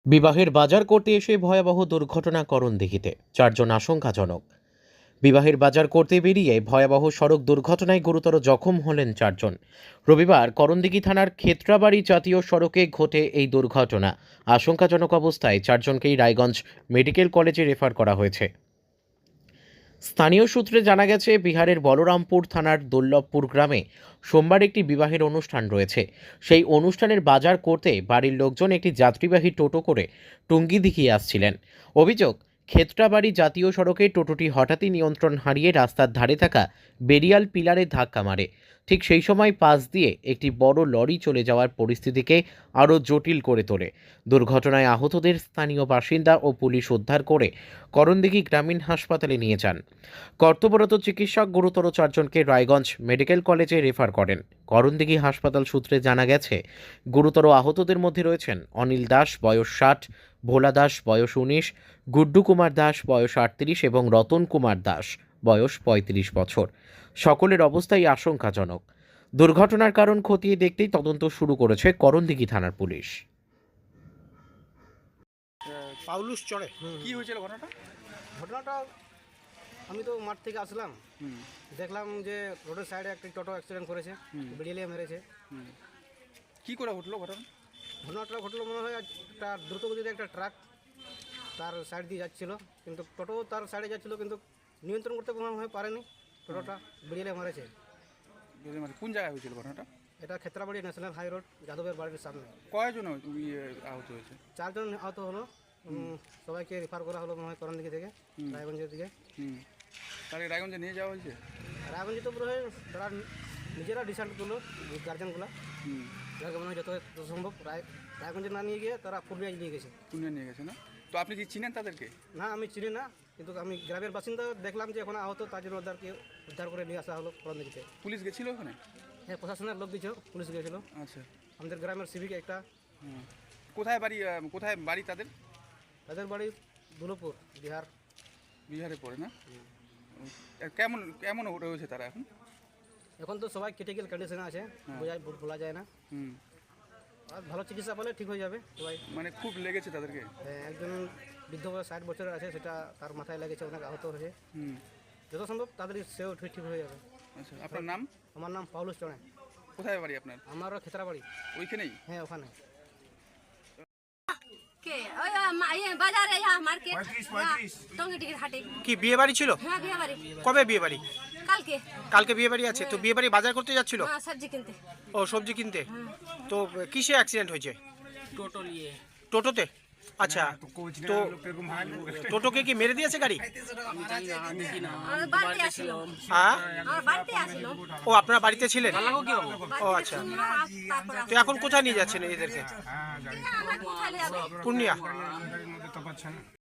বিবাহের বাজার করতে এসে ভয়াবহ দুর্ঘটনা করণদিঘিতে, 4 জন আশঙ্কাজনক। বিবাহের বাজার করতে বেরিয়ে ভয়াবহ সড়ক দুর্ঘটনায় গুরুতর জখম হলেন 4 জন। রবিবার করণদিঘি থানার ক্ষেত্রাবাড়ি জাতীয় সড়কে ঘটে এই দুর্ঘটনা। আশঙ্কাজনক অবস্থায় 4 জনকেই রায়গঞ্জ মেডিকেল কলেজে রেফার করা হয়েছে। স্থানীয় সূত্রে জানা গেছে, বিহারের বলরামপুর থানার দুর্লভপুর গ্রামে সোমবার একটি বিবাহের অনুষ্ঠান রয়েছে। সেই অনুষ্ঠানের বাজার করতে বাড়ির লোকজন একটি যাত্রীবাহী টোটো করে টুঙ্গিদিঘি আসছিলেন। অভিযোগ, ক্ষেত্রাবাড়ি জাতীয় সড়কে টোটোটি হঠাৎই নিয়ন্ত্রণ হারিয়ে রাস্তার ধারে থাকা বেরিয়াল পিলারে ধাক্কা মারে। ঠিক সেই সময় পাশ দিয়ে একটি বড় লরি চলে যাওয়ার পরিস্থিতিকে আরও জটিল করে তোলে। দুর্ঘটনায় আহতদের স্থানীয় বাসিন্দা ও পুলিশ উদ্ধার করে করণদিঘি গ্রামীণ হাসপাতালে নিয়ে যান। কর্তব্যরত চিকিৎসক গুরুতর 4 জনকে রায়গঞ্জ মেডিকেল কলেজে রেফার করেন। করণদিঘি হাসপাতাল সূত্রে জানা গেছে, গুরুতর আহতদের মধ্যে রয়েছেন অনিল দাস বয়স 60, ভোলা দাস বয়স 19, গুড্ডু কুমার দাস বয়স 38 এবং রতন কুমার দাস বয়স 35 বছর। সকলের অবস্থাই আশঙ্কাজনক। দুর্ঘটনার কারণ খতিয়ে দেখতেই তদন্ত শুরু করেছে করণদিঘি থানার পুলিশ। পাউলুস চড়ে কি হয়েছিল ঘটনাটা? ঘটনাটা আমি তো মাঠ থেকে আসলাম, দেখলাম যে রোডের সাইডে একটা টোটো অ্যাক্সিডেন্ট করেছে, বেরিয়ে মেরেছে। কি করে ঘটলো ঘটনা? ঘটনাটা ঘটলো মনে হয় একটা দ্রুতগতিতে একটা ট্রাক তার সাইড দিয়ে যাচ্ছিল, কিন্তু টোটো তার সাইডে যাচ্ছিল কিন্তু নিয়ন্ত্রণ করতে মনে হয় পারেনি, টোটোটা বেরিয়ে মেরেছে। কোন জায়গায় হয়েছিল ঘটনাটা? এটা ক্ষেত্রাবাড়ি ন্যাশনাল হাই রোড, যাদবের বাড়ির সামনে। কয়জন আহত হয়েছে? 4 জন আহত হলো। সবাইকে রেফার করা হলো মনে হয় করণদিঘি থেকে রায়গঞ্জের দিকে। তাহলে রায়গঞ্জে নিয়ে যাওয়া হয়েছে? রায়গঞ্জে তো পুরো তারা নিজেরা ডিসাইড করলো, গার্জেনগুলো যাকে মনে হয় যত সম্ভব রায়গঞ্জে না নিয়ে গিয়ে তারা পুরুলিয়ায় নিয়ে গেছে। পুরুলিয়া নিয়ে গেছে না? তো আপনি কি চিনেন তাদেরকে? না, আমি চিনি না, কিন্তু আমি গ্রামের বাসিন্দা, দেখলাম যে এখন আহত, তার জন্য ওদেরকে উদ্ধার করে নিয়ে আসা হলো করণদিঘিতে। পুলিশ গেছিল ওখানে? হ্যাঁ, প্রশাসনের লোক দিয়েছিল, পুলিশ গিয়েছিল। আচ্ছা, আমাদের গ্রামের সিভিক একটা। কোথায় বাড়ি তাদের? তাদের বাড়ি দুলভপুর, বিহার। বিহারে পড়ে না? কেমন কেমন রয়েছে তারা এখন? এখন তো সবাই ক্রিটিক্যাল কন্ডিশনে আছে, বলা যায় না। আর ভালো চিকিৎসা পেলে ঠিক হয়ে যাবে সবাই। মানে খুব লেগেছে তাদেরকে? একজন বৃদ্ধ 60 বছরের আছে, সেটা তার মাথায় লেগেছে, অনেক আহত হয়েছে। যত সম্ভব তাড়াতাড়ি সেও ঠিক হয়ে যাবে। আচ্ছা, আপনার নাম? আমার নাম পাউলুস চড়ে। কোথায় বাড়ি আপনার? আমারও ক্ষেত্রাবাড়ি ওইখানেই? হ্যাঁ, ওখানে। কি বিয়ে বাড়ি ছিল? হ্যাঁ, বিয়ে বাড়ি। কবে বিয়ে বাড়ি? কালকে। কালকে বিয়ে বাড়ি আছে, তো বিয়ে বাড়ি বাজার করতে যাচ্ছিল? হ্যাঁ, সবজি কিনতে। ও, সবজি কিনতে। তো কিসে অ্যাক্সিডেন্ট হয়েছে? টোটোতে? আচ্ছা, তো টোটোকে কি মেরে দিয়েছে গাড়ি? আমার বাড়িতে আসিল। হ্যাঁ, আমার বাড়িতে আসিল। ও আপনারা বাড়িতে ছিলেন? ও আচ্ছা, তারপর তো এখন কোথায় নিয়ে যাচ্ছেন এদেরকে? কোথায় যাবে? পূর্ণিয়া।